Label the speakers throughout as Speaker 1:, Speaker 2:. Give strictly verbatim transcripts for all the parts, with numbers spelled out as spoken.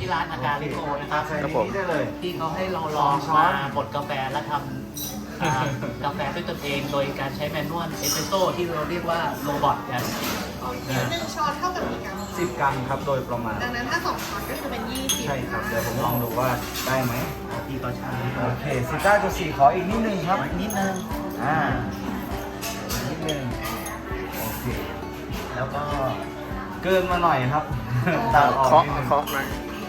Speaker 1: ที่ร้านอาการลิโกนะครับ
Speaker 2: ใส่ในนี้ได้เลย
Speaker 1: ที่เขาให้เราลองมาบดกาแฟและทำอ่ากาแฟด้วยตนเองโดยการใช้แมนนวลเอสเปรสโซ่ที่เราเรียกว่าโรบอทกัน
Speaker 3: เดี๋ยวหนึ่งช้อนเท่ากับกี่กรัม
Speaker 2: สิบกรัมครับโดยประมาณ
Speaker 3: ดังนั้นถ้าสองช้อนก็คือเป็นยี่สิบ
Speaker 2: ใช่ครับเดี๋ยวผมลองดูว่าได้ไหม
Speaker 1: ที่เขาใช้
Speaker 2: โอเคสิบเก้าจุดสี่ขออีกนิดนึงครับ
Speaker 1: นิดนึง
Speaker 2: อ่าอีกนิดนึงโอเค
Speaker 1: แล้วก็
Speaker 2: เกินมาหน่อยครับตัดออก
Speaker 4: เคาะ
Speaker 2: นิดนึง
Speaker 4: เคาะหน่อย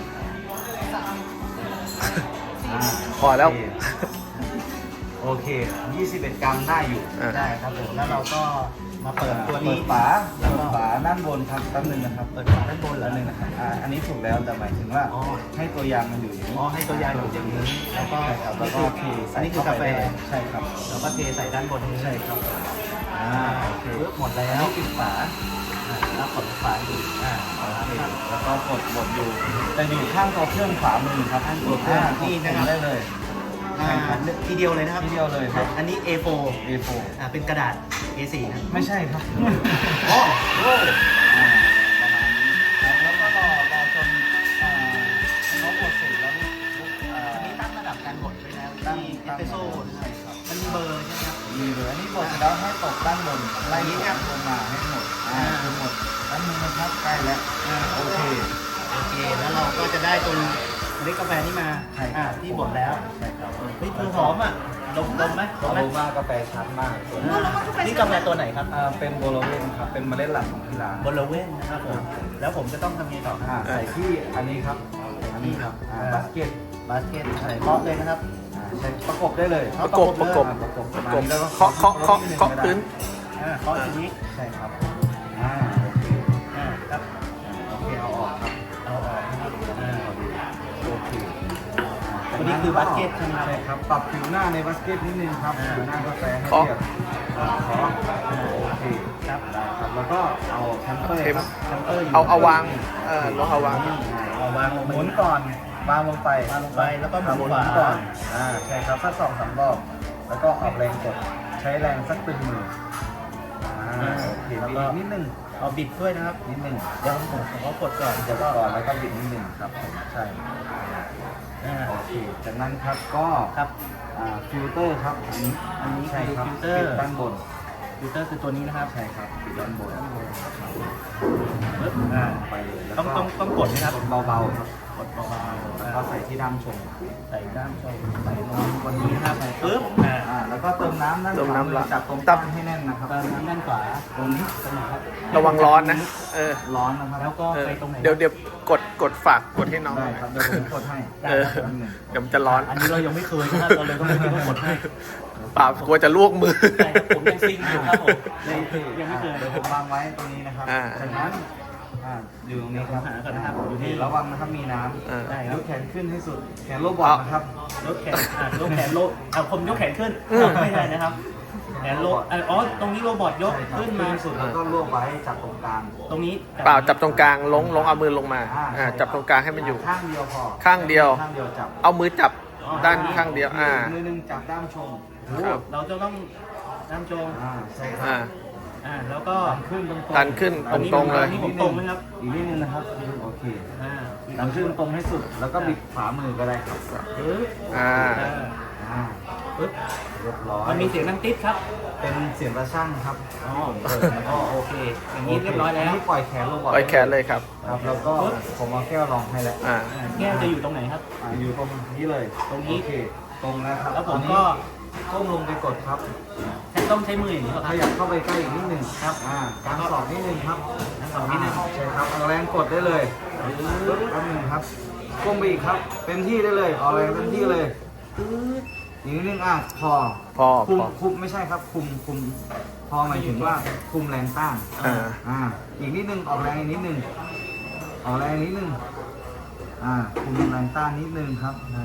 Speaker 2: อ่า
Speaker 4: พอแล้ว
Speaker 2: โอเคยี่สิบเอ็ดกรัมได้อยู่
Speaker 4: อ่ะ
Speaker 1: ได้ครับผมแล้วเราก็มาเปิดตัว
Speaker 2: เปิ
Speaker 1: นี้
Speaker 2: ดฝาเปิดฝาด้านบนครับแป๊บนึงนะครับ
Speaker 1: เปิดฝาด้านบน
Speaker 2: แป๊
Speaker 1: แล้ว
Speaker 2: บนึงนะครับอ่าอันนี้ถูกแล้วแต่หมายถึงว่า
Speaker 1: อ๋อ
Speaker 2: ให้ตัวยางมันอยู่อย่างนี้
Speaker 1: อ๋อให้ตัวยางอยู่อย่างนี้แล้วก็
Speaker 2: ใช่ครับแล้วก็เท
Speaker 1: อั
Speaker 2: ใส่
Speaker 1: นนี้คือกาแฟ
Speaker 2: เข้ไปได้ใช่ครับ
Speaker 1: แล้วก็เทใส่ด้านบนนี้
Speaker 2: ใช่ครับอ่าโอเค
Speaker 1: ปึ๊บหมดแล้
Speaker 2: อัน
Speaker 1: ว
Speaker 2: นี้ปิดฝา
Speaker 1: อ่าแล้วกดฝาอยู่อ่าเอาละ
Speaker 2: โอเค
Speaker 1: ครับ
Speaker 2: แล้วก็กดบดอยู่แต่อยู่ข้างตัวเครื่องขวามือครับข้างตัวเครื่อง
Speaker 1: อ่านี่นะครับ
Speaker 2: ได้เลย
Speaker 1: อ่าทีเดียวเลยนะครับ
Speaker 2: ทีเดียวเลยครับ
Speaker 1: อันนี้ เอ โฟร์
Speaker 2: เอ โฟร์
Speaker 1: อ่าเป็นกระดาษ เอ โฟร์ นะ
Speaker 2: ไม่ใช่ครับ
Speaker 1: โอ้โห
Speaker 2: อ่าประมาณนี้แล้วก็รอรอจนอ่าเขาบดเสร็จแล้วลูกอ่า
Speaker 1: อันนี้ตั้งระดับการบดไว้แล้ว
Speaker 2: ตั้ง
Speaker 1: ที่เอสเปรสโซ่นะค
Speaker 2: ใช่
Speaker 1: รับ
Speaker 2: ครับ
Speaker 1: มันมีเบอร์ใช่ไหมครับ
Speaker 2: มีเลยอันนี้บดเสร็จแล้วให้ตกด้านบนไล่กดลงมาให้หมดอ่าคือหมดด้านมือนะครับใกล้แล้วอ่าโอเค
Speaker 1: โอเค แล้วเราก็จะได้ตัวเมล็ดกาแฟนี่มา
Speaker 2: ใช่ค
Speaker 1: อ่า
Speaker 2: รับ
Speaker 1: ที่บดแล้ว
Speaker 2: ใช่ครับ
Speaker 1: เฮ้ยคือหอมอ่ะดมดมไหมด
Speaker 2: โอ
Speaker 1: มไหม
Speaker 2: โรมากาแฟชัดมาก
Speaker 1: นี่กาแฟตัวไหนครับ
Speaker 2: อ่าเป็นโบโลเวนครับเป็นเมล็ดหลักของที่ร้าน
Speaker 1: บลเว่นนะครับผม แล้วผมจะต้องทำยังไงต่อค
Speaker 2: อ่า
Speaker 1: รับ
Speaker 2: ใส่ที่อันนี้ครับอันนี้ครับอ่าบาสเกต
Speaker 1: บาสเกตใส่เคาะเลยนะครับ
Speaker 2: อ่าใช้ประกบได้เลย
Speaker 4: ประกบประกบ
Speaker 2: อ่าประกบ
Speaker 4: ประกบ
Speaker 2: แล้วก็
Speaker 4: เคาะเคาะเคาะเคาะพื้น
Speaker 1: อ่าเคาะทีนี้
Speaker 2: ใช่ครับอ่าโอเค
Speaker 1: อ่าครับ
Speaker 2: โอเคเอาออกครับ
Speaker 1: เอาออกนะครับอ่า
Speaker 2: โอเค
Speaker 1: ตัวนี้คือบาสเกตใช่ไหมครับ
Speaker 2: ใช่ครับปรับผิวหน้าในบาสเกตนิดนึงครับ
Speaker 1: อ่า
Speaker 2: ผิวหน้ากาแฟให้
Speaker 4: เคาะ
Speaker 2: เรียบอ่าเคาะอ่าโอเค
Speaker 1: ครับ
Speaker 2: ได้ครับแล้วก็เอาแคมเปอร์
Speaker 4: เทม
Speaker 2: ครับแคมเปอร์ยู่
Speaker 4: เอาเอาวางเออลองเอาวาง
Speaker 1: เอาวางลง
Speaker 2: ห
Speaker 1: ไป
Speaker 2: มุนก่อนวางลงไป
Speaker 1: วางลงไปแล้วก็หมุน
Speaker 2: หมุน
Speaker 1: ขวา
Speaker 2: ก่อนอ่าใช่ครับสักสองสามรอบแล้วก็ออกแรงกดใช้แรงสักตึงมืออ่าโอเคบิดอีกนิดนึง
Speaker 1: เอาบิดด้วยนะครับ
Speaker 2: นิดนึง
Speaker 1: เดี๋ยวผมผมก็กดก่อน
Speaker 2: ก
Speaker 1: เดี๋ย
Speaker 2: ด
Speaker 1: วก็
Speaker 2: ก่อนแล้วก็บิดนิดนึงครับผมใช่
Speaker 1: อ่า
Speaker 2: โอเคจากนั้นครับก็
Speaker 1: ครับ
Speaker 2: อ่าฟิลเตอร์ครับอันนี้
Speaker 1: อันนี้
Speaker 2: ใช่ครับ
Speaker 1: ฟิลเตอร์
Speaker 2: ปิดด้านบน
Speaker 1: ฟิลเตอร์คือตัวนี้นะครับ
Speaker 2: ใช่ครับปิดด้านบน
Speaker 1: ปึ๊บอ่า
Speaker 2: ไปเลยแล้ว
Speaker 1: ต้อง
Speaker 2: ก็
Speaker 1: ต้องต้องกดนะครับ
Speaker 2: กดเบาๆครับ
Speaker 1: กดเบาๆ
Speaker 2: แล้วก็ใส่ที่ด้ามชง
Speaker 1: ใส่ด้ามชมใส่ลงบนนี้นะครับปึ๊บอ่า
Speaker 2: อ่าแล้วก็เติมน้ำด้าน
Speaker 4: เติมน้ำ
Speaker 2: ขวามือ
Speaker 4: ละ
Speaker 2: จับตรง
Speaker 4: ตั
Speaker 2: ตั้
Speaker 4: บ
Speaker 2: งให้แน่นนะครับ
Speaker 1: เติมน้ำด้านขวา
Speaker 2: ตรงนี้
Speaker 1: ตรงไหนครับ
Speaker 4: ระวังร้อนนะ เออ
Speaker 2: ร้อนนะครับ
Speaker 1: แล้วก็
Speaker 4: เออ
Speaker 1: ไปตรงไหน
Speaker 4: เดี๋ยวเดี๋ยวกดกดฝากกดให้น้องห
Speaker 2: ได้
Speaker 4: น่อย
Speaker 2: ครับเดี๋ยวผมกดให้
Speaker 4: เออ
Speaker 2: แป๊บนึง
Speaker 4: เดี๋ยวมันจะร้อน
Speaker 1: อันนี้เรายังไม่เคยนะครับเราเลยก็ไม่คิดว่ากดให้
Speaker 4: เปล่ากลัวจะลวกมือ
Speaker 1: ใช่ครับผมยังซิงอยู่ครับผมเลยยังไม่เคย
Speaker 2: เดี๋ยวผมวางไว้ตรงนี้นะครับ
Speaker 4: อ่า
Speaker 2: จากนั้นอ่าอยู่ตรงนี้ครับ
Speaker 1: หาก่อนนะครับอยู่นี่
Speaker 2: ระวังนะครับมีน้
Speaker 4: เออ
Speaker 2: ำ
Speaker 1: ได้ค
Speaker 2: ย
Speaker 1: รับ
Speaker 2: กแขนขึ้นให้สุดแขนโลบอทนะครับ
Speaker 1: ยกแขนอ่ะยกแขนโลเอาผมยกแขนขึ้น
Speaker 4: อืม
Speaker 1: ไม่ใช่นะครับแขนโลอ่ะอ๋อตรงนี้โรบอทยก
Speaker 2: ใช่ครับ
Speaker 1: ขึ้นมา
Speaker 2: ให้สุดแล้วก็รวบไว้จับตรงกลาง
Speaker 1: ตรงนี้
Speaker 4: เปล่าจับตรงกลางลงลงเอามือลงมาอ่าจับตรงกลางให้มันอยู่
Speaker 2: ข้างเดียวพอ
Speaker 4: ข้างเดียว
Speaker 2: ข้างเดียวจับ
Speaker 4: เอามือจับด้านข้างเดียว อ่า
Speaker 2: มือหนึงจับด้ามชง
Speaker 4: ครับ
Speaker 1: เราจะต้องน้ำโจง
Speaker 2: อ่าใช่ครั
Speaker 4: อ่า
Speaker 2: บ
Speaker 1: อ่าแล้วก็
Speaker 2: ดันขึ้นตรงๆ
Speaker 4: ดันขึ้นตรงๆเลย
Speaker 1: อันนี้ผมตรงไหมครับ
Speaker 2: อีกนิดนึงนะครับโอเค
Speaker 1: อ่า
Speaker 2: ดันขึ้นตรงให้สุดแล้วก็บิดขวามือก็ได้ครับ
Speaker 1: ปึ๊บ
Speaker 4: อ่า
Speaker 2: อ่า
Speaker 1: ปึ๊บ
Speaker 2: เรียบร้อย
Speaker 1: มันมีเสียงดังติ๊ดครับ
Speaker 2: เป็นเสียงกระช่างครับ
Speaker 1: อ๋ออ๋อโอเค อย่างนี้เรียบร้อยแล้ว
Speaker 2: นี่ปล่อยแขนลงก่อน
Speaker 4: ปล่อยแขนเลยครับ
Speaker 2: ครับแล้วก็ผมเอาแก้วรองให้แล้ว
Speaker 4: อ่า
Speaker 1: อ่าแก้วจะอยู่ตรงไหนครับ
Speaker 2: อ่าอยู่ตรงนี้เลย
Speaker 1: ตรงนี้
Speaker 2: โอเคตรงนะครับ
Speaker 1: แล้วผม
Speaker 2: ตอนนี้
Speaker 1: ก็
Speaker 2: ก้มลงไปกดครับ
Speaker 1: แค่ต้องใช้มืออย่างนี้เหรอค
Speaker 2: ข
Speaker 1: รับ
Speaker 2: ยับเข้าไปใกล้อีกนิดหนึ่งครับอ่ากางศอกนิดนึงครับ
Speaker 1: กางศอกนิดนึง
Speaker 2: าใช่ครับเอาแรงกดได้เลยปึ๊บแป๊บนึงครับก้มไปอีกครับเต็มที่ได้เลยเอาแรงเต็มที่เลย
Speaker 1: ปึ๊บ
Speaker 2: อีกนิดนึงอ่ะพอ
Speaker 4: พอ
Speaker 2: คุม
Speaker 4: พอ
Speaker 2: คุมไม่ใช่ครับคุมคุมพอหมายถึงว่าคุมแรงต้าน
Speaker 4: อ่า
Speaker 2: อ่าอีกนิดนึงออกแรงอีกนิดนึงออกแรงอีกนิดนึงอ่าคุมแรงต้านนิดนึงครับอ่า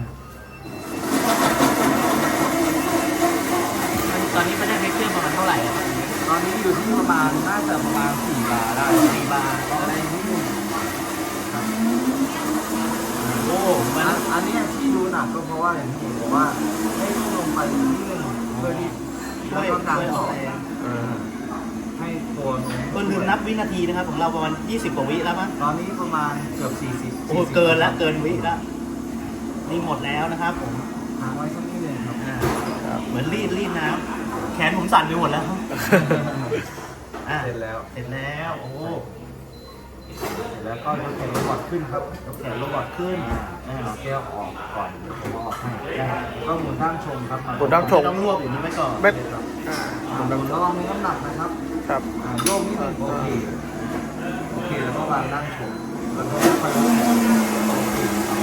Speaker 1: ตอนนี้มันได้เทคเจอร์ประมาณเท่าไหร่อะครับ
Speaker 2: ตอนนี้อยู่ที่ประมาณน่าจะประมาณสี่บาร์ได้
Speaker 1: สี่บาร์
Speaker 2: ออกแรงนิดนึงครับ
Speaker 1: โอ้มัน
Speaker 2: อันอันเนี้ยที่ดูหนักก็เพราะว่าอย่างที่ผมบอกว่าให้ลงไปนิดนึงเพื่อที่
Speaker 1: ช่วย
Speaker 2: แล้วก็การ
Speaker 1: ช่วยอ
Speaker 2: ต่
Speaker 1: อ
Speaker 2: อก
Speaker 1: แรง
Speaker 4: เออ
Speaker 2: ให้ตัวตัวนู้น
Speaker 1: ก็ลืมนับวินาทีนะครับของเราประมาณยี่สิบกว่าวิแล้วมั้ง
Speaker 2: ตอนนี้ประมาณเกือบสี่สิบ
Speaker 1: โอ้เกินแล้วเกินวิแล้วนี่หมดแล้วนะครับผม
Speaker 2: หางไว้สักนิดหนึงครับ
Speaker 1: อ่าเหมือนรีดรีดน้ำแขนผมสั่นไปหมดแล้วอ่ะ
Speaker 2: เสร็จแล้ว
Speaker 1: เสร็จแล้วโอ้
Speaker 2: เสร็จแล้วก็ยกแขนโรบอทขึ้นครับยก
Speaker 1: แข
Speaker 2: แข
Speaker 1: น
Speaker 2: น
Speaker 1: โร
Speaker 2: โร
Speaker 1: บบ อ
Speaker 2: อ
Speaker 1: ท
Speaker 2: ท
Speaker 1: ขึ้นอ่า
Speaker 2: เอาแก้วออกก่อนเดี๋ยวผมเอาออกให้แล้วก็หมุนด้านชมครับ
Speaker 4: หมุนด้านชม
Speaker 1: ต้องรวบอย่างนี้ไว้ก่อน
Speaker 4: เม็ด
Speaker 2: ครับ
Speaker 4: อ่า
Speaker 2: อ่าหมุนระวังมีน้ำหนักนะครับ
Speaker 4: ครับ
Speaker 2: อ่าโยกนิดนึงโอเคโอเคแล้วก็วางด้านชมแล้วก็ค่อยๆยกแขนโอเค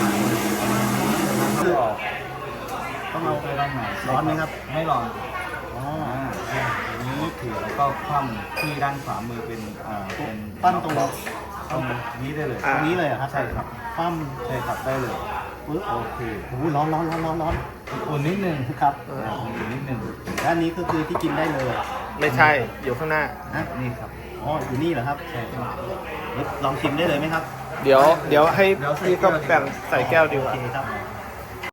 Speaker 2: แล้วก็ออก
Speaker 1: ต้องเอา
Speaker 2: ไปด้านไหน
Speaker 1: ร้อนไหมครับ
Speaker 2: ไม่ร้อน
Speaker 1: อ๋อ
Speaker 2: อ่าอันนี้ถือแล้วก็คว่ำที่ด้านขวามือเป็นอ่าเป็น
Speaker 1: ปั้นตรง
Speaker 2: ตรงนี้ได้เลย
Speaker 4: อ่า
Speaker 1: ตรงนี้เลยเหรอครับ
Speaker 2: ใช่ครับ
Speaker 1: คว่
Speaker 2: ใช่ครับได้เลย
Speaker 1: ำปึ๊บ
Speaker 2: โอเค
Speaker 1: โอ้โหร้อนร้อนร้อนร้อนร้อน
Speaker 2: อุ่นนิดนึง
Speaker 1: ครับ
Speaker 2: อ่าอุ่นนิดนึง
Speaker 1: และอันนี้ก็คือที่กินได้เลย
Speaker 4: ไม่ใช่อยู่ข้างหน้า
Speaker 1: นะ
Speaker 2: นี่ครับ
Speaker 1: อ๋ออยู่นี่เหรอครับ
Speaker 2: ใช่ครับ
Speaker 1: ลองชิมได้เลยไหมครับ
Speaker 4: เดี๋ยวเดี๋ยวให้พี่ก็แบ่งใส่แก้วดีกว่า
Speaker 1: โอเคครับ
Speaker 2: ค